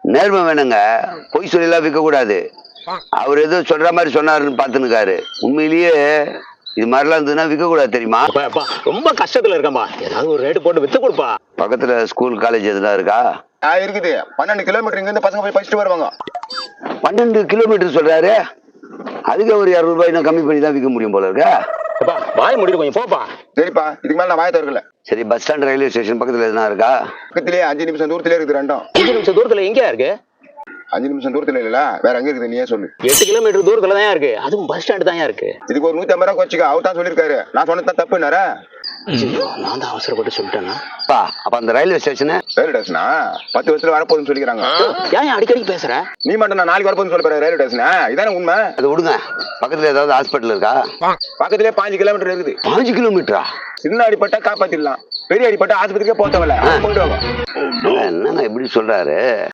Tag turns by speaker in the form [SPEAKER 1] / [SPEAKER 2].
[SPEAKER 1] நேர்மை வேணுங்க, பொய் சொல்லலாம் விற்க கூடாது. அவர் ஏதோ சொல்ற மாதிரி சொன்னாருன்னு பாத்துனுக்காரு. உண்மையிலேயே இது மாதிரிலாம் இருந்ததுன்னா விற்க கூடாது தெரியுமா?
[SPEAKER 2] ரொம்ப கஷ்டத்துல இருக்கம்பா, ஏதாவது ஒரு ரேட்டு போட்டு வித்து கொடுப்பா.
[SPEAKER 1] பக்கத்துல ஸ்கூல் காலேஜ் எதுனா இருக்கா?
[SPEAKER 3] இருக்குது. 12 கிலோமீட்டர் இங்க இருந்து பசங்க போய் படிச்சுட்டு வருவாங்க.
[SPEAKER 1] 12 கிலோமீட்டர் சொல்றாரு. அதுக்கு ஒரு 200 ரூபாய் கம்மி பண்ணி தான் விற்க முடியும் போல இருக்கா?
[SPEAKER 2] வாய முடியும் கொஞ்சம் போப்பா.
[SPEAKER 3] சரிப்பா, இதுக்கு மேல நான் வாய திறக்கல.
[SPEAKER 1] சரி, பஸ் ஸ்டாண்ட் ரயில்வே ஸ்டேஷன் பக்கத்துல எதுனா இருக்கா?
[SPEAKER 3] பக்கத்திலேயே 5 நிமிஷம் தூரத்திலே இருக்குது ரெண்டும்.
[SPEAKER 2] 5 நிமிஷம் தூரத்துல எங்கயா இருக்கு?
[SPEAKER 3] 5 நிமிஷம் தூரத்துல இல்ல, வேற எங்க இருக்குது நீயே சொல்லு.
[SPEAKER 2] 8 கிலோமீட்டர் தூரத்துல தான் இருக்கு, அதுவும் பஸ் ஸ்டாண்ட் தான் இருக்கு.
[SPEAKER 3] இதுக்கு ஒரு 150 ரூபா குறைச்சிக்க, அவர் தான் சொல்லிருக்காரு. நான் சொன்னது தப்புனாரா?
[SPEAKER 2] நான் தான் அவசரப்பட்டு சொல்லிட்டேன்னா.
[SPEAKER 1] அப்ப அந்த ரயில்வே ஸ்டேஷன்
[SPEAKER 3] ரயில்வே ஸ்டேஷனா 10 வருஷத்துல வரப்போகுதுன்னு சொல்லிக்கிறாங்க.
[SPEAKER 2] ஏன் அடிக்கடி பேசுற?
[SPEAKER 3] நீ மட்டும் நான் நாளைக்கு வரப்போகுதுன்னு சொல்ல போற ரயில்வே ஸ்டேஷனா? இதானே உண்மை?
[SPEAKER 1] அது விடுங்க. பக்கத்துல ஏதாவது ஹாஸ்பிட்டல் இருக்கா?
[SPEAKER 3] பக்கத்திலே 5 கிலோமீட்டர் இருக்குது.
[SPEAKER 1] 5 கிலோமீட்டரா?
[SPEAKER 3] சின்ன அடிப்பட்டா காப்பாத்திடலாம், பெரிய அடிப்பட்ட ஆஸ்பத்திரிக்கே போத்தவல.
[SPEAKER 1] என்னங்க இப்படி சொல்றாரு?